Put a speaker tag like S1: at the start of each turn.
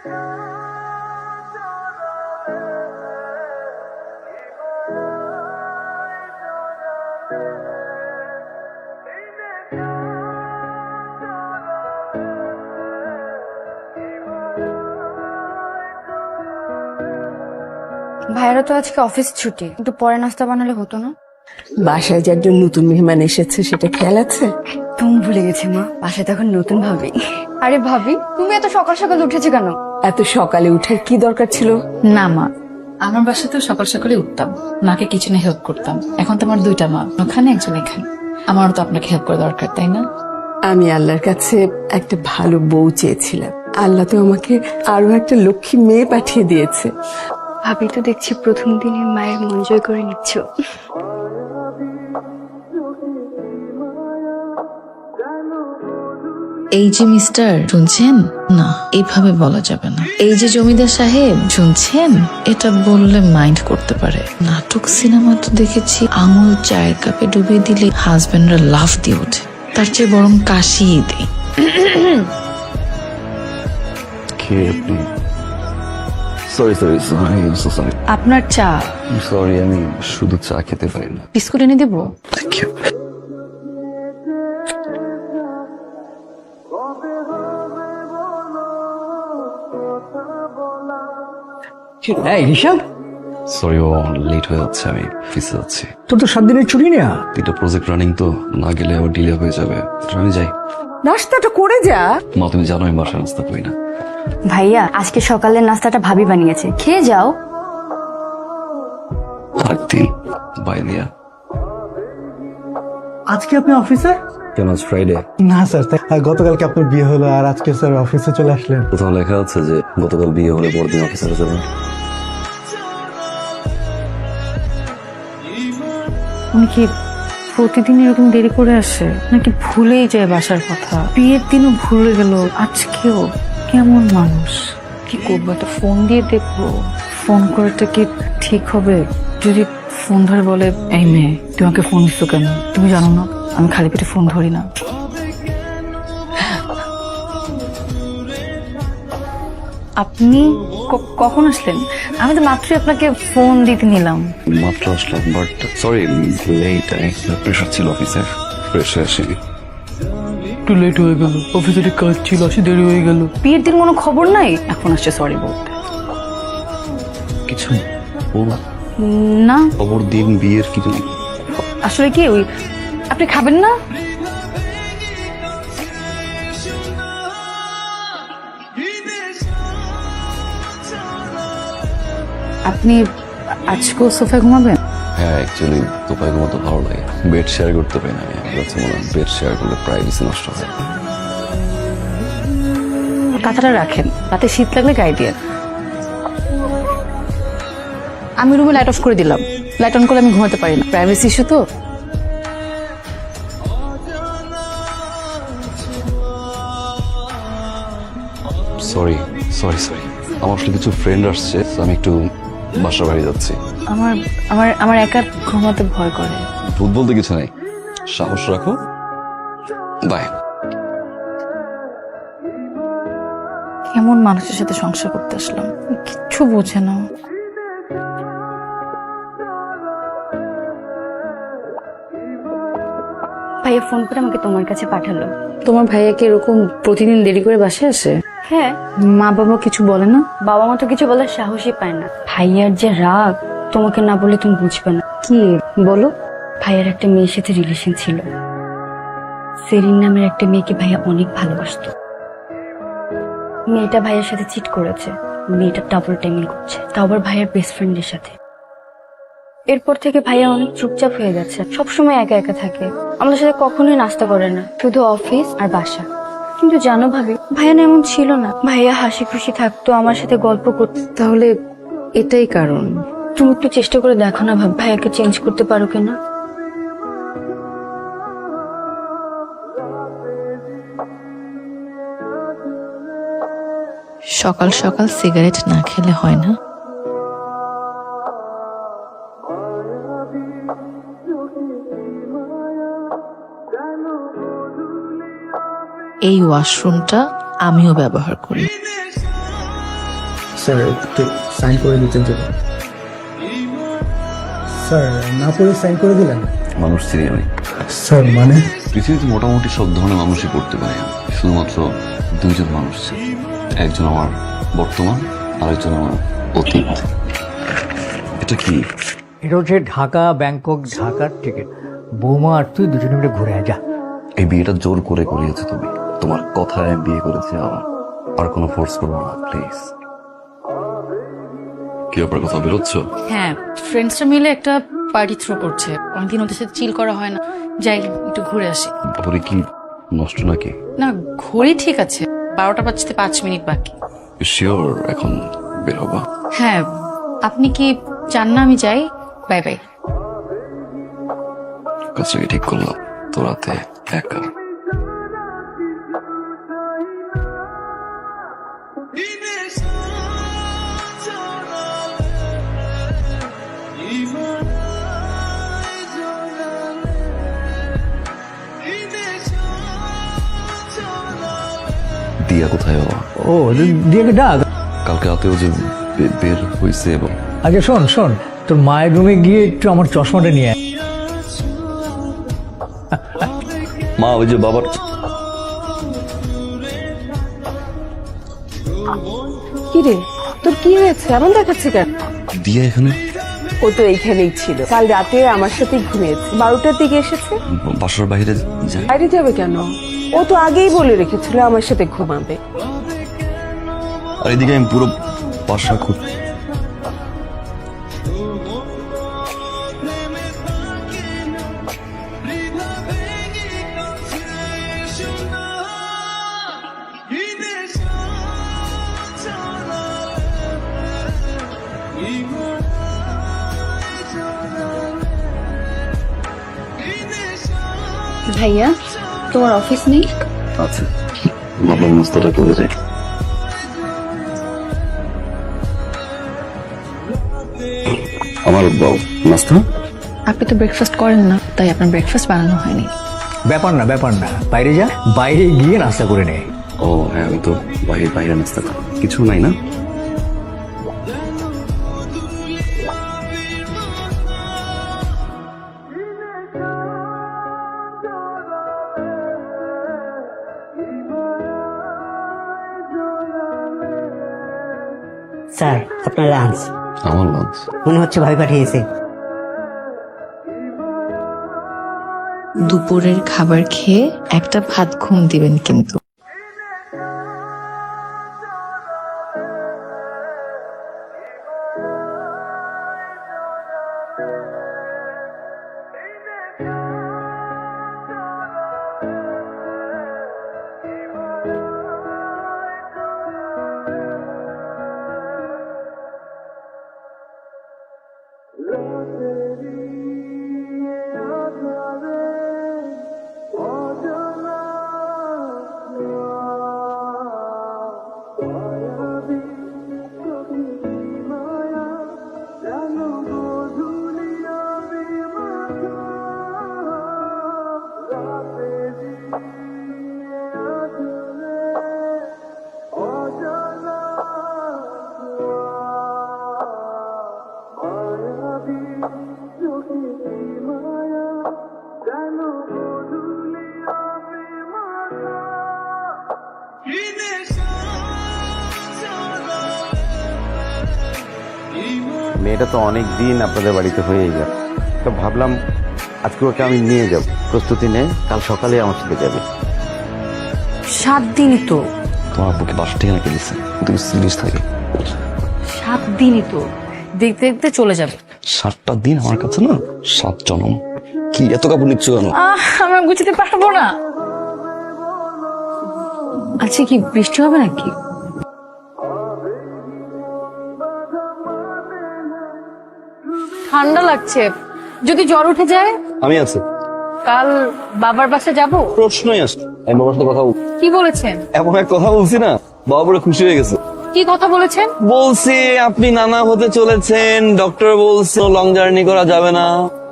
S1: ভাইয়েরা তো আজকে অফিস ছুটি, একটু পরে নাস্তা বানালে হতো না?
S2: বাসায় যে একজন নতুন মেহমান এসেছে সেটা খেয়াল আছে?
S1: তুমি ভুলে গেছি মা, বাসায় তখন নতুন ভাবি। আরে ভাবি, তুমি এত সকাল সকাল উঠেছো কেন?
S2: এত সকালে উঠার কি দরকার ছিল?
S3: না মা, আমার বাসায় তো সকাল সকালে উঠতাম, মাকে কিচেনে হেল্প করতাম। এখন তো আমার দুইটা মা, ওখানে একজন এখানে। আমারও তো আপনাকে হেল্প করা দরকার, তাই না?
S2: আমি আল্লাহর কাছে একটা ভালো বউ চেয়েছিলাম, আল্লাহ তো আমাকে আরো একটা লক্ষ্মী মেয়ে পাঠিয়ে দিয়েছে।
S1: ভাবি তো দেখছি প্রথম দিনে মায়ের মন জয় করে নিচ্ছ।
S3: এই যে মিস্টার, শুনছেন? না, এইভাবে বলা যাবে না। এই যে জমিদার সাহেব, শুনছেন? এটা বললে মাইন্ড করতে পারে। নাটক সিনেমা তো দেখেছি, আঙুল চায়ের কাপে ডুবিয়ে দিলে হাজবেন্ডরা লাফ দিয়ে ওঠে। তার চেয়ে বরং কাশিয়ে দেই।
S4: সরি সরি সরি
S3: আপনার চা।
S4: সরি, আমি শুধু চা খেতে পারি না।
S3: বিস্কুট এনে দেবো?
S4: Thank you.
S5: ঋষভ,
S4: সরি ও লেট হয়ে যাচ্ছে, আমি অফিসে যাচ্ছি।
S5: তোর তো 7 দিনের ছুটি নেয়া।
S4: এটা প্রজেক্ট রানিং তো, না গেলে আবার ডিলে হয়ে যাবে। আমি যাই।
S2: নাস্তাটা করে যা।
S4: মা, তুমি জানো আমি বাসায় নাস্তা করি না।
S1: ভাইয়া, আজকে সকালের নাস্তাটা ভাবি বানিয়েছে, খেয়ে যাও।
S4: আরেকদিন বাই দিয়া।
S5: আজকে আপনি অফিসে?
S4: কেন আজ ফ্রাইডে?
S5: না স্যার, গতকালকে আপনার বিয়ে হলো আর আজকে স্যার অফিসে চলে আসলেন।
S4: কোথাও লেখা আছে যে গতকাল বিয়ে হলে পরদিন অফিসে যাবেন?
S3: উনি কি প্রতিদিন এরকম দেরি করে আসে, নাকি ভুলেই যায় বাসার কথা? বিয়ের দিনও ভুলে গেল, আজকেও। কেমন মানুষ! কি করবো, একটা ফোন দিয়ে দেখবো। ফোন করাটা কি ঠিক হবে? যদি ফোন ধরে বলে, এই মেয়ে তোমাকে ফোন দিচ্ছ কেন? তুমি জানো না আমি খালি পেটে ফোন ধরি না। আপনি কখন আসলেন? আমি তো মাত্রই আপনাকে ফোন দিতে নিলাম।
S4: মাত্র আসলাম, বাট সরি লেট। প্রেশার ছিল অফিসে, ফ্রেশ হয়ে আসিনি।
S5: একটু লেট হয়ে গেল, অফিসে কাজ ছিল, আসে দেরি হয়ে গেল।
S3: বিয়ের দিন কোনো খবর নাই, এখন আসছে সরি বলতে।
S4: কিছু বলা
S3: না,
S4: খবর দিন, বিয়ের কিছু।
S3: আসলে কি ওই, আপনি খাবেন না? আপনি আজকেও সোফায় ঘুমাবেন?
S4: হ্যাঁ, অ্যাকচুয়ালি তোপায় ঘুমাতে ভালো লাগে। বেড শেয়ার করতে পারি না আমি। আমার কাছে মনে হয় বেড শেয়ার করলে প্রাইভেসি নষ্ট হয়।
S3: কাঁথাটা রাখেন, রাতে শীত লাগলে গায়ে দিয়ে। আমি রুমে লাইট অফ করে দিলাম। লাইট অন করলে আমি ঘুমাতে পারি না, প্রাইভেসি ইস্যু তো।
S4: সরি সরি সরি, আমার আসলে কিছু ফ্রেন্ড আসছে, তো আমি একটু বাসার বাড়ি যাচ্ছি।
S3: আমার আমার আমার একা ঘুমাতে ভয় করে।
S4: ভূত বলতে কিছু নাই, সাহস রাখো। বাই।
S3: কেমন মানুষের সাথে সংসার করতে আসলাম, কিচ্ছু বোঝে না।
S1: ভাইয়া ফোন করে আমাকে তোমার কাছে পাঠালো।
S3: তোমার ভাইয়া কি এরকম প্রতিদিন দেরি করে বাসায় আসে?
S1: হ্যাঁ।
S3: মা বাবা কিছু বলে না?
S1: বাবা মা তো কিছু বলার সাহসই পায় না। ভাইয়ার যে রাগ, তোমাকে না বলে তুমি বুঝবে না।
S3: কি বলো?
S1: ভাইয়ার একটা মেয়ের সাথে রিলেশন ছিল। সেরিন নামের একটা মেয়েকে ভাইয়া অনেক ভালোবাসতো। মেয়েটা ভাইয়ের সাথে চিট করেছে। মেয়েটা ডাবল টাইমিং করছে, তাও আবার ভাইয়ার বেস্ট ফ্রেন্ডের সাথে। এরপর থেকে ভাইয়া অনেক চুপচাপ হয়ে গেছে, সবসময় একা একা থাকে। আমাদের সাথে কখনোই নাস্তা করে না, শুধু অফিস আর বাসা। কিন্তু জানো ভাবি, ভাইয়া না এমন ছিল না। ভাইয়া হাসি খুশি থাকতো, আমার সাথে গল্প করতো।
S3: তাহলে এটাই কারণ।
S1: তুমি একটু চেষ্টা করে দেখো না ভাব, ভাইয়াকে চেঞ্জ করতে পারো কিনা।
S3: সকাল সকাল সিগারেট না খেলে হয় না। এই ওয়াশরুমটা আমিও ব্যবহার করি।
S6: স্যার একটু সাইন করে দিতেন যদি। স্যার না পড়ে সাইন করে দিলেন।
S4: মানুষ চিনি আমি।
S6: স্যার মানে?
S4: পৃথিবীতে মোটামুটি সব ধরনের মানুষই পড়তে পারে, শুধুমাত্র দুইজন মানুষ ছিল। একজন আমার বর্তমান, আরেকজন আমার অতীত। এটা কি?
S7: এটা হচ্ছে ঢাকা ব্যাংকক ঢাকার টিকিট। বৌমা আর তুই দুজনে মিলে ঘুরে আয়, যা।
S4: এই বিয়েটা জোর করে করিয়েছো তুমি, তোমার কথায় বিয়ে করেছে আমার, আর কোনো ফোর্স করবো না প্লিজ। কি ব্যাপার, কথা বেরোচ্ছ?
S3: হ্যাঁ, ফ্রেন্ডসরা মিলে একটা পার্টি থ্রো করছে, অনেকদিন ওদের সাথে চিল করা হয় না, যাই একটু ঘুরে আসি।
S4: তারপরে কি নষ্ট নাকি?
S3: না, ঘড়ি ঠিক আছে, 12টা বাজতে 5 মিনিট বাকি।
S4: শিওর এখন বের হবা?
S3: হ্যাঁ, আপনি কি চান না আমি যাই? Bye bye.
S4: কাজটাকে ঠিক করলাম, তো রাতে একা। দিয়া কোথায় বাবা?
S7: ও দিয়ে ডাক।
S4: কালকে রাতেও যে বের হয়েছে এবং
S7: আচ্ছা শোন শোন, তোর মায়ের রুমে গিয়ে একটু আমার চশমাটা নিয়ে আয়।
S4: মা ওই যে বাবার
S2: কি রে, তোর কি হয়েছে? এমন দেখাচ্ছে কেন?
S4: দিয়া এখানে?
S2: ও তো এইখানেই ছিল, কাল রাতে আমার সাথে ঘুমিয়েছে, 12টার দিকে এসেছে।
S4: বাসার বাইরে যায়?
S2: বাইরে যাবে কেন? ও তো আগেই বলে রেখেছিল আমার সাথে ঘুমাবে।
S4: আর এদিকে আমি পুরো বাসা খুব
S1: ভাইয়া, তোমার অফিস নেই?
S4: আছে, ভাবলাম নাস্তাটা করে যাই। আমার নাস্তা?
S3: আপনি তো ব্রেকফাস্ট করেন না, তাই আপনার ব্রেকফাস্ট বানানো হয়নি।
S7: ব্যাপার না ব্যাপার না, বাইরে যা, বাইরে গিয়ে নাস্তা করে নে।
S4: ও হ্যাঁ, আমি তো বাইরে বাইরে নাস্তা খাই। কিছু নাই না?
S8: স্যার আপনার লাঞ্চ।
S4: আমার লাঞ্চ?
S8: মনে হচ্ছে ভাই পাঠিয়েছে।
S9: দুপুরের খাবার খেয়ে একটা ভাত ঘুম দিবেন কিন্তু।
S10: মেয়েটা তো অনেক দিন আপনাদের বাড়িতে হয়ে গেল, তো ভাবলাম আজকে ওকে আমি নিয়ে যাব। প্রস্তুতি নে, কাল সকালে আমার সাথে যাবে।
S3: 7 দিনই তো।
S4: তোমার বুকে বাসা থেকে নাকি দিচ্ছে? তুমি সিরিয়াস থাকে?
S3: 7 দিনই তো, দেখতে দেখতে চলে যাবে।
S4: 7টা দিন আমার কাছে না 7 জনম। কি এত কাপড় নিচ্ছ কেন?
S3: আমরা গুছাতে পারবো না। আচ্ছা, কি বৃষ্টি হবে নাকি? ঠান্ডা লাগছে, যদি জ্বর উঠে যায়?
S4: আমি আছি।
S3: কাল বাবার বাসায় যাব?
S4: প্রশ্নই আসছে। আমি বাবার সাথে কথা বলছি।
S3: কি বলেছেন?
S4: এমন এক কথা বলছি না, বাবা পুরো খুশি হয়ে গেছে।
S3: কি কথা বলেছেন?
S4: বলছি আপনি নানা হতে চলেছেন, ডক্টর বলছে লং জার্নি করা যাবে না।